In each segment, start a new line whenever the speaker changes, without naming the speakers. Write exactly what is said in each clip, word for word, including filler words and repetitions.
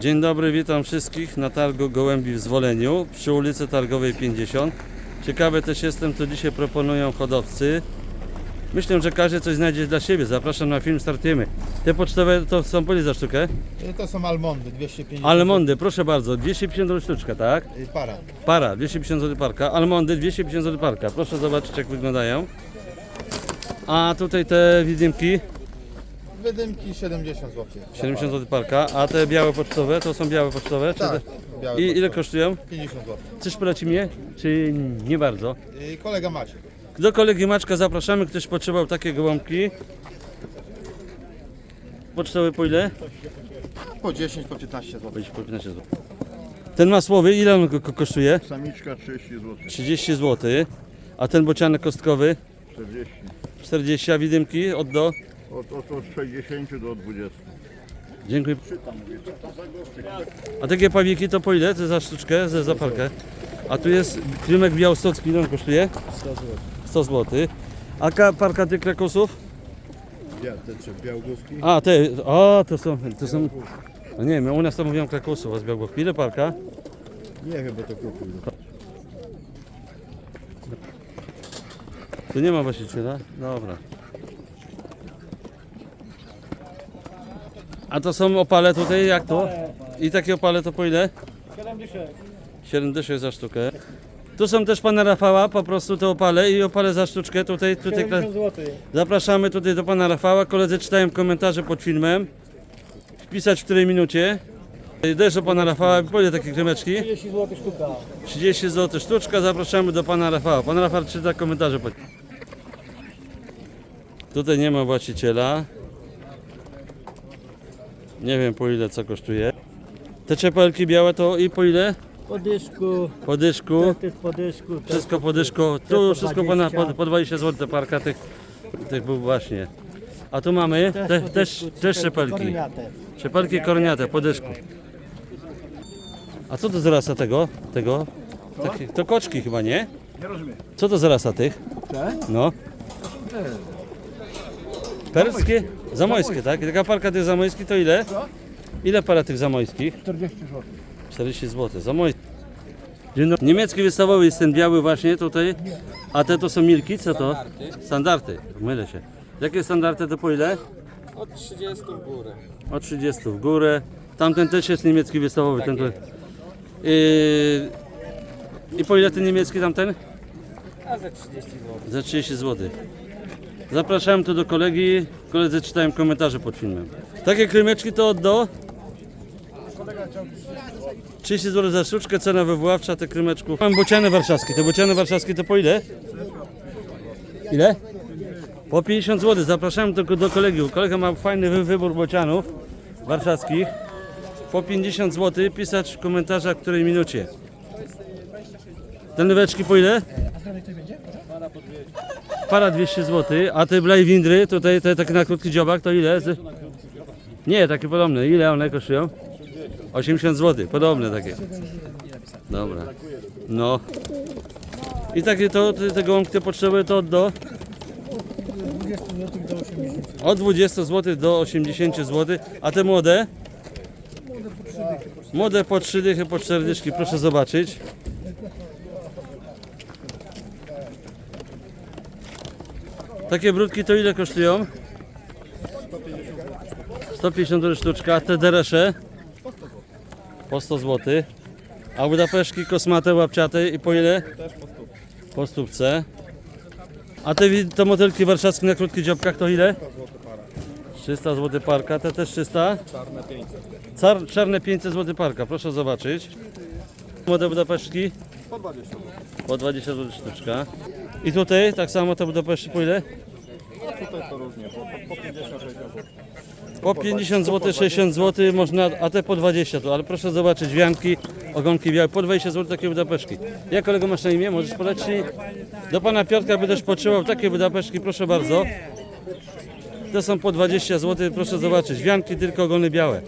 Dzień dobry, witam wszystkich na targu gołębi w Zwoleniu przy ulicy Targowej pięćdziesiąt. Ciekawy też jestem, co dzisiaj proponują hodowcy. Myślę, że każdy coś znajdzie dla siebie. Zapraszam na film, startujemy. Te pocztowe to są po ile za sztukę?
To są almondy, dwieście pięćdziesiąt.
Almondy, proszę bardzo, dwieście pięćdziesiąt złotych sztuczka, tak?
Para.
Para, dwieście pięćdziesiąt złotych parka. Almondy, dwieście pięćdziesiąt złotych parka. Proszę zobaczyć, jak wyglądają. A tutaj te widymki,
Wydymki siedemdziesiąt złotych.
siedemdziesiąt złotych parka. A te białe pocztowe, to są białe pocztowe? Czy
Tak,
te...
białe
I ile
pocztowe.
kosztują?
pięćdziesiąt złotych.
Coś poleci mnie, czy nie bardzo?
I kolega Maciek.
Do kolegi Maczka zapraszamy, ktoś potrzebował takie gołąbki. Pocztowy po ile?
Po dziesięć, po piętnaście złotych.
Będzie po piętnaście złotych. Ten masłowy, ile on ko- kosztuje?
Samiczka trzydzieści złotych,
trzydzieści złotych. A ten bocianek kostkowy?
czterdzieści.
czterdzieści, a widymki od do?
Od, od, od sześćdziesięciu do dwudziestu.
Dziękuję. A takie pawiki to po ile? To za sztuczkę, za, za parkę. A tu jest krymek białostocki, ile on kosztuje? sto złotych. A ka- parka tych krakosów?
Ja, te trzy białgówki.
A, te, o, to są, to są, no nie wiem, u nas to mówią krakosów, a z białgówki. Ile parka?
Nie, chyba to kupił.
Tu nie ma właściciela? Dobra. A to są opale tutaj, jak to? I takie opale to po ile? siedem dyszek za sztukę. Tu są też pana Rafała, po prostu te opale i opale za sztuczkę. Tutaj, tutaj zapraszamy tutaj do pana Rafała. Koledzy czytają komentarze pod filmem. Wpisać w której minucie. Też do pana Rafała, po ile takie kremeczki?
trzydzieści złotych sztuka.
trzydzieści złotych sztuczka, zapraszamy do pana Rafała. Pan Rafał czyta komentarze. pod- Tutaj nie ma właściciela. Nie wiem po ile co kosztuje. Te czepelki białe to i po ile?
Po dyszku,
Po dyszku.
to jest po dyszku. to
Wszystko
jest
po dyszku.
po
Tu wszystko po, na-
dwadzieścia.
po, po dwadzieścia złotych parka tych, tych był właśnie. A tu mamy te,
po
też,
dyszku,
też czepelki.
korniate.
Czepelki korniate po dyszku. A co to za rasa tego? tego? Takie, to koczki chyba, nie?
Nie rozumiem.
Co to za rasa tych?
Te?
No. Perskie? Zamojskie, tak? I taka parka tych zamojskich to ile? Ile para tych zamojskich?
czterdzieści złotych.
czterdzieści złotych. Zamojski. Dzień dobry. Niemiecki wystawowy jest ten biały właśnie tutaj. A te to są milki? Co to? Standardy. Mylę się. Jakie standardy to po ile?
Od trzydziestu w górę.
O trzydzieści w górę. Tamten też jest niemiecki wystawowy. Ten to... Yy... I po ile ten niemiecki tamten?
A za trzydzieści złotych.
Za trzydzieści złotych. Zapraszałem tu do kolegi. Koledzy czytają komentarze pod filmem. Takie krymeczki to od do? trzydzieści złotych za sztuczkę, cena wywoławcza tych krymeczków. Mam bociany warszawskie. Te bociany warszawskie to po ile? Ile? Po pięćdziesiąt złotych. Zapraszam tylko do kolegi. Kolega ma fajny wy- wybór bocianów warszawskich. Po pięćdziesiąt złotych. Pisać w komentarzach w której minucie. Te nyweczki po ile? Para dwieście złotych, a te blajwindry, tutaj te takie na krótki dziobak, to ile? Z- Nie, takie podobne. Ile one kosztują? osiemdziesiąt złotych, podobne takie. Dobra. No. I takie to, te, te gołąbki te potrzeby to od do? Od dwudziestu złotych do osiemdziesięciu złotych, a te młode? Młode po trzy dychy, po cztery dyszki, proszę zobaczyć. Takie brudki to ile kosztują? sto pięćdziesiąt złotych sztuczka, a te deresze? Po sto złotych. A budapeszki kosmate, łapciate i po ile? Po stówce. A te, wi- te motylki warszawskie na krótkich dziobkach to ile? trzysta złotych parka, te też trzysta? Czarne pięćset. Car, czarne pięćset złotych parka, proszę zobaczyć. Młode budapeszki? Po dwadzieścia złotych sztuczka. I tutaj tak samo te budapeszki po ile?
Tutaj to różnie, po, po pięćdziesiąt sześćdziesiąt.
Po pięćdziesiąt złotych, sześćdziesiąt złotych można, a te po dwadzieścia tu, ale proszę zobaczyć, wianki, ogonki białe, po dwadzieścia złotych takie budapeszki. Jak kolego masz na imię? Możesz polecić? Do pana Piotrka by też potrzebował takie budapeszki, proszę bardzo. Te są po dwadzieścia złotych, proszę zobaczyć, wianki tylko ogony białe.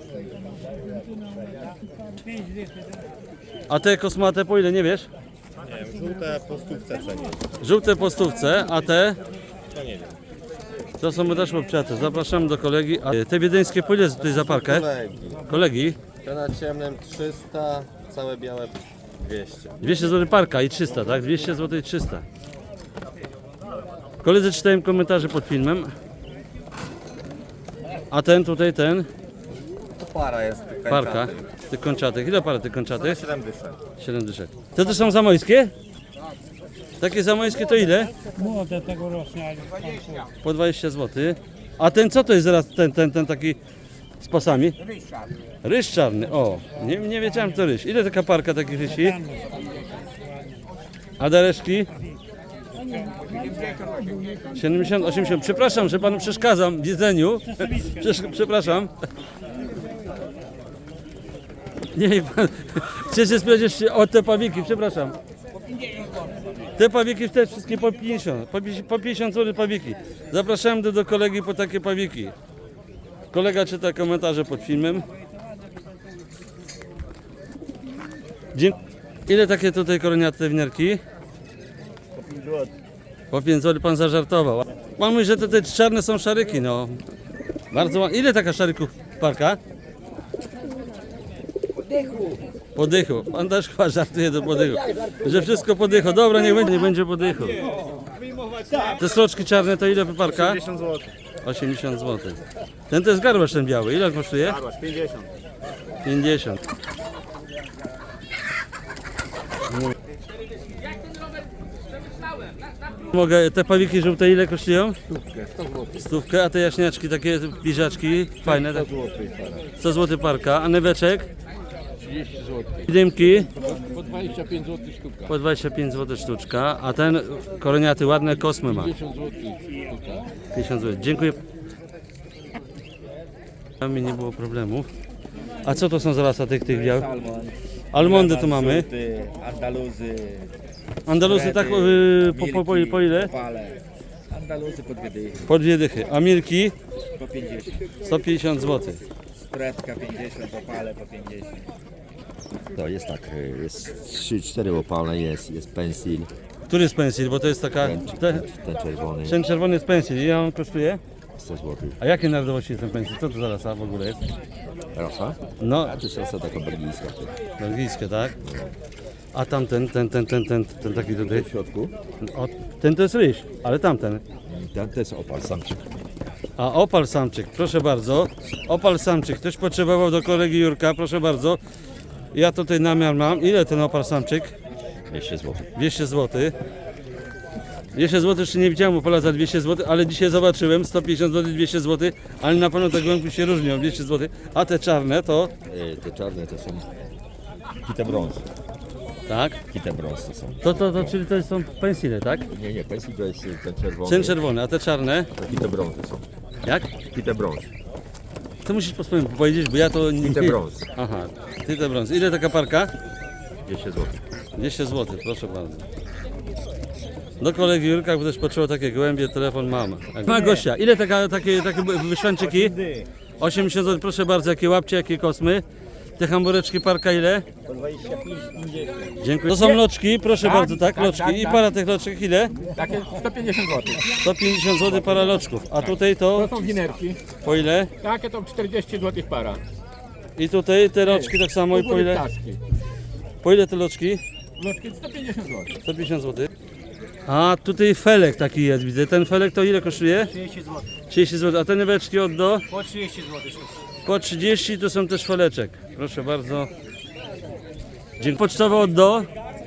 A te kosmate po ile, nie wiesz?
Nie wiem, żółte po stówce wszędzie.
Żółte po stówce, a te?
To nie wiem.
To są też łopciate. Zapraszamy do kolegi. A te wiedeńskie po ile tutaj za parkę?
Kolegi.
Kolegi?
Te na ciemnym trzysta, całe białe dwieście.
dwieście złotych parka i trzysta, tak? dwieście złotych i trzysta. Koledzy czytałem komentarze pod filmem. A ten tutaj, ten,
To para jest. tych
parka,
kańczatych.
tych kończatych. Ile para tych kończatych?
siedem dyszek.
siedem dyszek. Te to są zamojskie? Takie zamojskie to ile?
Młode tegoroczne.
Po dwadzieścia złotych. A ten co to jest zaraz ten, ten, ten taki z pasami? Ryż czarny, o. Nie, nie wiedziałem to ryż. Ile taka parka takich rysi? A dereszki? siedemdziesiąt, osiemdziesiąt. Przepraszam, że panu przeszkadzam w jedzeniu. Przesz- Przepraszam. Nie, pan, chcę się sprawdzić o te pawiki, przepraszam. Te pawiki te wszystkie po pięćdziesiąt, po pi- po pięćdziesiąt złotych pawiki. Zapraszałem do, do kolegi po takie pawiki. Kolega czyta komentarze pod filmem. Dzie- Ile takie tutaj koroniate winiarki? Po pięć złotych pan zażartował. Pan mówi, że te, te czarne są szaryki, no. Bardzo ładnie. Ile taka szaryków parka? Podychu. Pan też chyba żartuje do podychu. Że wszystko podychu. Dobra, niech będzie, nie będzie podychu. Te sroczki czarne to ile parka?
osiemdziesiąt złotych.
osiemdziesiąt złotych. Ten to jest garbasz ten biały. Ile on kosztuje?
Garbasz pięćdziesiąt.
pięćdziesiąt. Mogę, te pawiki żółte ile kosztują? Stówkę, a te jaśniaczki, takie bliźaczki, fajne, tak? sto złotych parka, a neweczek?
trzydzieści złotych.
Dymki
Po dwadzieścia pięć złotych sztuka.
po dwadzieścia pięć złotych sztuczka, a ten koroniaty ładne kosmy ma.
pięćdziesiąt złotych sztuka.
pięćdziesiąt złotych. Dziękuję. Tam mi nie było problemu. A co to są za rasa tych, tych białych? Almondy tu mamy.
Żółty, Andaluzy,
Andaluzy tak y, po, po, po, po ile?
Opale. Andaluzy po dwie dychy,
Po dwie dychy. A milki?
po pięćdziesiąt.
sto pięćdziesiąt złotych.
Spreadka pięćdziesiąt, opale po pięćdziesiąt.
To jest tak, y, jest trzy cztery opalne, jest, jest pensil,
Który jest pensil? Bo to jest taka...
ten,
Te,
ten, ten czerwony,
ten czerwony jest pensil. Ile on kosztuje?
sto złotych.
A jakie narodowości jest ten pensil? Co to za rasa w ogóle jest?
Rasa?
No,
A to jest rasa taka belgijska.
belgijskie, tak? A tamten, ten, ten, ten, ten, ten taki tutaj.
W środku,
O, ten to jest ryś, ale tamten.
ten to jest opal samczyk.
A opal samczyk, proszę bardzo. Opal samczyk, ktoś potrzebował do kolegi Jurka, proszę bardzo. Ja tutaj namiar mam. Ile ten opal samczyk?
dwieście złotych.
dwieście złotych. dwieście złotych jeszcze nie widziałem opala za dwieście złotych, ale dzisiaj zobaczyłem sto pięćdziesiąt złotych, dwieście złotych, ale na pewno te głębi się różnią, dwieście złotych. A te czarne to,
Y, te czarne to są kite brąz.
tak,
Kite brąz to są.
to, to, to czyli to są pensile, tak?
Nie, nie, pensil to jest y, ten czerwony.
Ten czerwony, a te czarne,
To kite brąz to są.
jak?
Kite brąz.
To musisz po swojemu powiedzieć, bo ja to nie...
Kite brąz.
Aha, ty te brąz. Ile taka parka?
dwieście złotych.
dwieście złotych, proszę bardzo. Do kolegi Jurka, bo też potrzeba takie gołębie, telefon mam. Ma gościa, ile taka, takie, takie wyszłęczyki? osiemdziesiąt złotych, proszę bardzo, jakie łapcie, jakie kosmy. Te hambureczki parka ile? Dziękuję. To są loczki, proszę bardzo, tak, loczki. I para tych loczek ile?
Takie sto pięćdziesiąt złotych.
sto pięćdziesiąt złotych para loczków. A tutaj to
To są winerki.
po ile?
Takie to czterdzieści złotych para.
I tutaj te loczki tak samo i po ile?
Ptaszki.
Po ile te loczki?
Loczki sto pięćdziesiąt złotych.
sto pięćdziesiąt złotych. A tutaj felek taki jest, widzę. Ten felek to ile kosztuje?
trzydzieści złotych.
trzydzieści złotych. A te nyweczki od do?
Po trzydzieści złotych.
Po trzydzieści to są też feleczek. Proszę bardzo. Dziękuję. Pocztowe od do?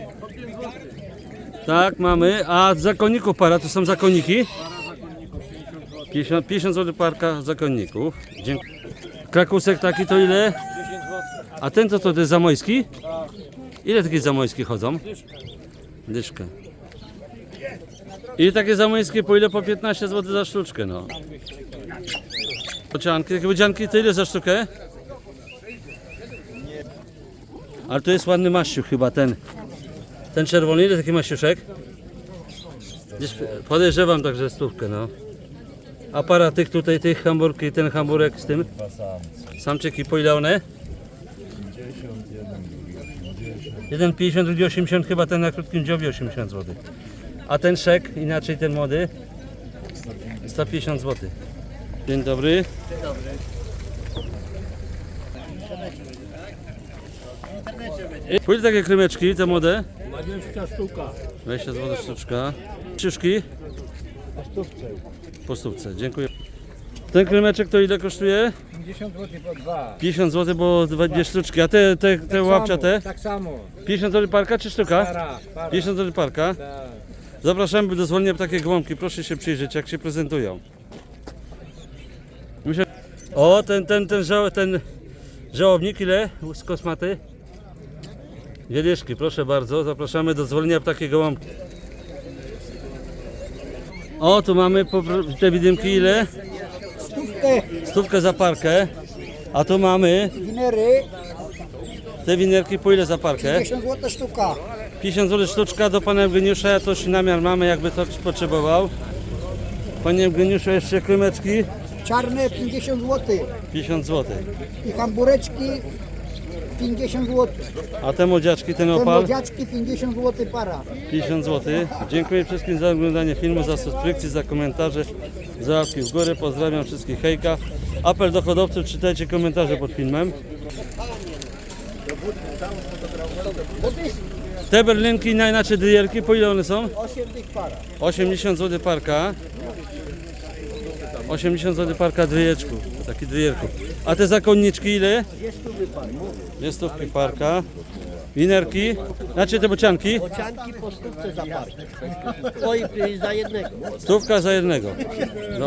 Tak, mamy. A z zakonników para to są zakonniki? pięćdziesiąt, pięćdziesiąt złotych parka zakonników. Dziękuję. Krakusek taki to ile? A ten to, to, to jest zamojski? Ile takie zamojskie chodzą? Dyszkę. I takie zamojskie po ile? Po piętnaście złotych za sztuczkę, no. Bocianki, takie bocianki to ile za sztukę? Ale to jest ładny maściuch chyba ten. Ten czerwony, ile taki maściuszek? Gdzieś podejrzewam także stówkę, no. A para tych tutaj, tych hamburki, ten hamburek z tym? Samczyki, po ile one? Jeden pięćdziesiąt, drugi osiemdziesiąt, chyba ten na krótkim dziobie osiemdziesiąt złotych. A ten szek, inaczej ten młody? sto pięćdziesiąt złotych. Dzień dobry. I pójdę takie krymeczki, te młode?
dwadzieścia sztuka.
dwadzieścia złotych sztuczka. Szyszki? Po stówce. Po stówce, dziękuję. Ten krymeczek to ile kosztuje?
pięćdziesiąt złotych po dwa.
pięćdziesiąt złotych, bo dwa- dwie sztuczki. A te, te, te łapciate?
Tak samo.
pięćdziesiąt złotych parka czy sztuka?
Para, para.
pięćdziesiąt złotych parka.
Tak.
Zapraszamy do zwolnienia takie gołąbki. Proszę się przyjrzeć, jak się prezentują. Myślę... O, ten, ten, ten, żał, ten żałobnik, ile z kosmaty? Wieliszki, proszę bardzo. Zapraszamy do zwolnienia takie gołąbki. O, tu mamy popro- te widymki, ile?
Stówkę,
Stówkę za parkę. A tu mamy
winery,
te winerki, po ile za parkę?
pięćdziesiąt złotych sztuka.
pięćdziesiąt złotych sztuczka do pana Eugeniusza, ja też namiar mamy, jakby to ktoś potrzebował. Panie Eugeniuszu, jeszcze krymeczki,
Czarne pięćdziesiąt złotych.
pięćdziesiąt złotych.
I hambureczki pięćdziesiąt złotych.
A te młodziaczki, ten
Te
opal,
młodziaczki pięćdziesiąt złotych para.
pięćdziesiąt złotych. Dziękuję wszystkim za oglądanie filmu, za subskrypcję, za komentarze, za łapki w górę. Pozdrawiam wszystkich, hejka. Apel do hodowców, czytajcie komentarze pod filmem. Te berlinki, najinaczej dryjerki, po ile one są?
osiem tych para.
osiemdziesiąt złotych parka. osiemdziesiąt złotych parka dryjeczku, taki dryjerku. A te zakonniczki ile? Dwie stówki parka. Winerki, znaczy te bocianki?
Bocianki po stówce za parkę. Oj, za jednego.
Stówka za jednego.